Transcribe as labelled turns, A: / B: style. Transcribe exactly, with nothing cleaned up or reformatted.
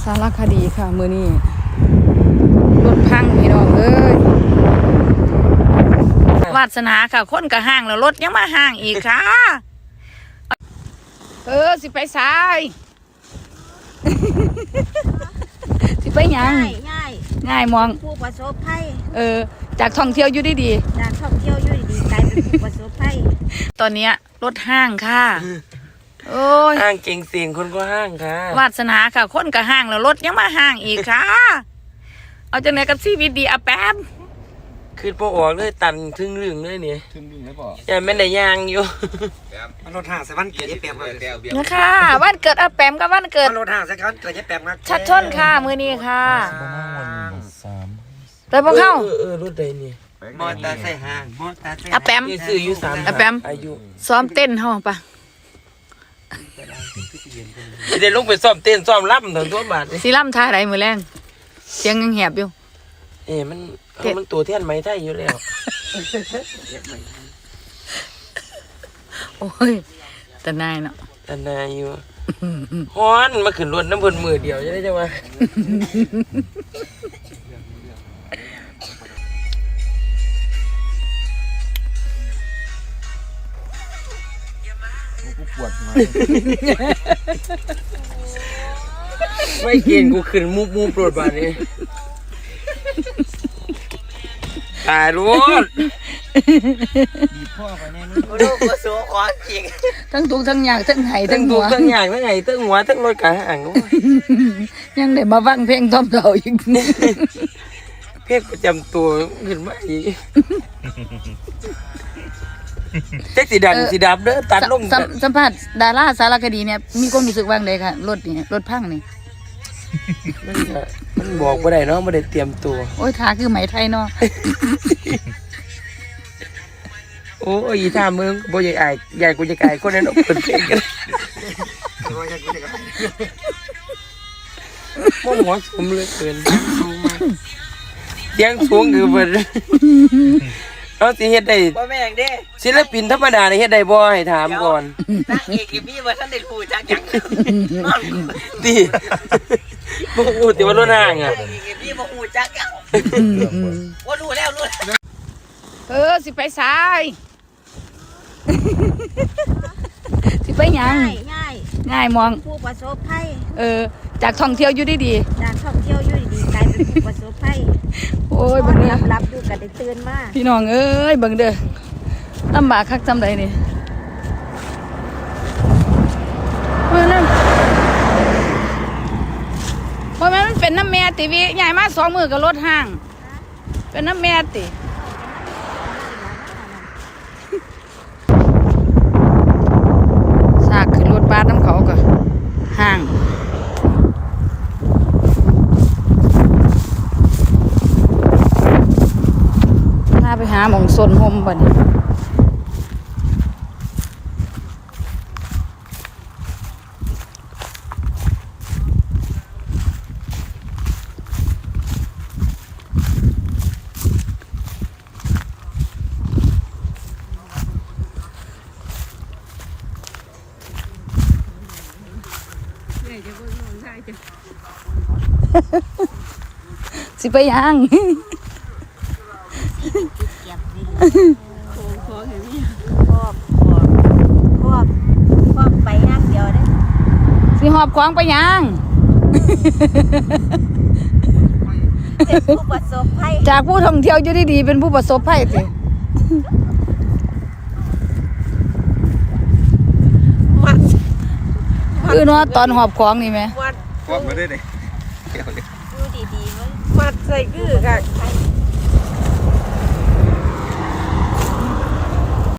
A: ารคดีค่ะมือนี้รถพังพี่น้องเอ้ยวาสนาค่ะคนก็ห้างแล้วรถยังมาห้างอีกค่ะเออสิไปสายสิไปยัง
B: ง่ายง่าย
A: ง่ายมอง
B: ผู้ประสบภัย
A: เออจากท่องเที่ยวอยู่ดี
B: ๆจากท่องเที่ยวอยู่ดีๆกลายเป็นผู้ประสบภัย
A: ตอนนี้รถห้างค่ะโอ้ย
C: ห้างเก่งเสียงคนก็ห้างค่ะ
A: วาสนาค่ะคนก็ห้างแล้วรถยังมาห้างอีกค่ะเอาจังไหนกับชีวิตดีอะแป๊บ
C: คือพอออกเลยตันทึ่งเรื่องเลยเนี่ย
D: ทึ่งเรื่องเลยป่ะ
C: อย่าไม่ได้ยางอยู่
D: มันรถห่างใส่วันเกิดยี่แปมมา
A: นะคะวันเกิดอาแปมกับวันเกิด
D: รถห่างใส่วันเกิดยี่แปมมา
A: ชัดชนค่ะมือนี้ค่ะแต่พวกเขา
C: เออรถใดนี่
D: มอเตอร์ไซค์ห่างมอเตอร์ไซค์
A: อาแปม
C: ซื้ออยู่สาม
A: อาแปม
C: อายุ
A: ซ้อมเต้นเฮาปะ
C: เดี๋ยวลงไปซ้อมเต้นซ้อมรับถึงตัวบาท
A: สีล่ำท่าไรมือแรงเสียงยังแหบอยู่
C: เอ๊ะมันมันตัวเทียนไม้ไทยอยู่แล้ว
A: โอ้ยแต่นายเนาะ
C: แต่นายอยู่ฮ้อนมาขึ้นรถน้ำเพิ่นมือเดียวจะได้จังวะ
D: กูปวดมา
C: ไม่เก่งกูขึ้นมุบมุบรถบาทนี้ตายรถ
D: ดีพ่อไปแน่นี่
C: ลูกก็สู้ขอจริง
A: ทั้งทุกทั้งอยากทั้งไห้ทั้งหัว
C: ทั้งอยากทั้งไห้ทั้งหัวทั้งรถกระหัง
A: ยังได้มาฟังเพลงต้อมเต่าอีก
C: เพลงประจำตัวขึ้นมาอีกเจ๊สีดันสีดับเด้อตัดลง
A: สัมภาษณ์ดาราสารคดีเนี่ยมีความรู้สึกว่างเลยค่ะรถนี่รถพังนี่
C: มันบอกไม่ได้เนาะไม่ได้เตรียมตัว
A: โอ้ยทาคือไหมไทยเนาะ
C: โอ้ยท่าเมืองบ่ใหญ่ใหญ่ใหญ่กูจะกายคนนั้นออกเป็นเพลงกันโม่หัวสมเลยเกินเสียงสูงคือเบิดเอาสิเฮ็ดได้
B: บ่แม่งเด้
C: ศิลปินธรรมดาเฮ็ดได้บ่ให้ถามก่อน
B: นักเอกอีพี่ว่าท่านได้รู้จักหยัง
C: ติบ่ฮู้ติว่ารถห่างอ่ะ
B: อีพี่บ่ฮู้จักหยังว่ารู้แล้วรู้
A: เออสิไปสายสิไปยัง
B: ง่ายง่าย
A: ง่ายมอง
B: ผู้ประสบภัย
A: เออจากท่องเที่ยวอยู่ดี
B: ๆจากท่องเที่ยวอยู่ดีๆกลายเป็นผู้ประสบภัย
A: โอ้ยเบิ่งเด้อ
B: รับๆอยู่ก็ได้ตื่นมา
A: พี่น้องเอ้ยเบิ่งเด้อลำบากคักจำใดนี่ว่านั่นเพราะมันเป็นน้ำแม่ติวิใหญ่มากสองมือกับรถห้างเป็นน้ำแม่ติซากขึ้นรถบัสน้ำเขาก็ห้างถ้าไปหาหมองซนห่มบ่เนี่ยสิไปยัง
B: ครอบครอบครอบไปนักเดียวได้
A: สิหอบของไปยัง
B: เป็นผู้ประสบภัย
A: จากผู้ท่องเที่ยวอยู่ดีๆเป็นผู้ประสบภัยสิคือเนาะตอนหอบของนี่ไหม
D: ครอบมาได้เลย
B: ดูดีๆมั้ยมัดใส่คือค่ะ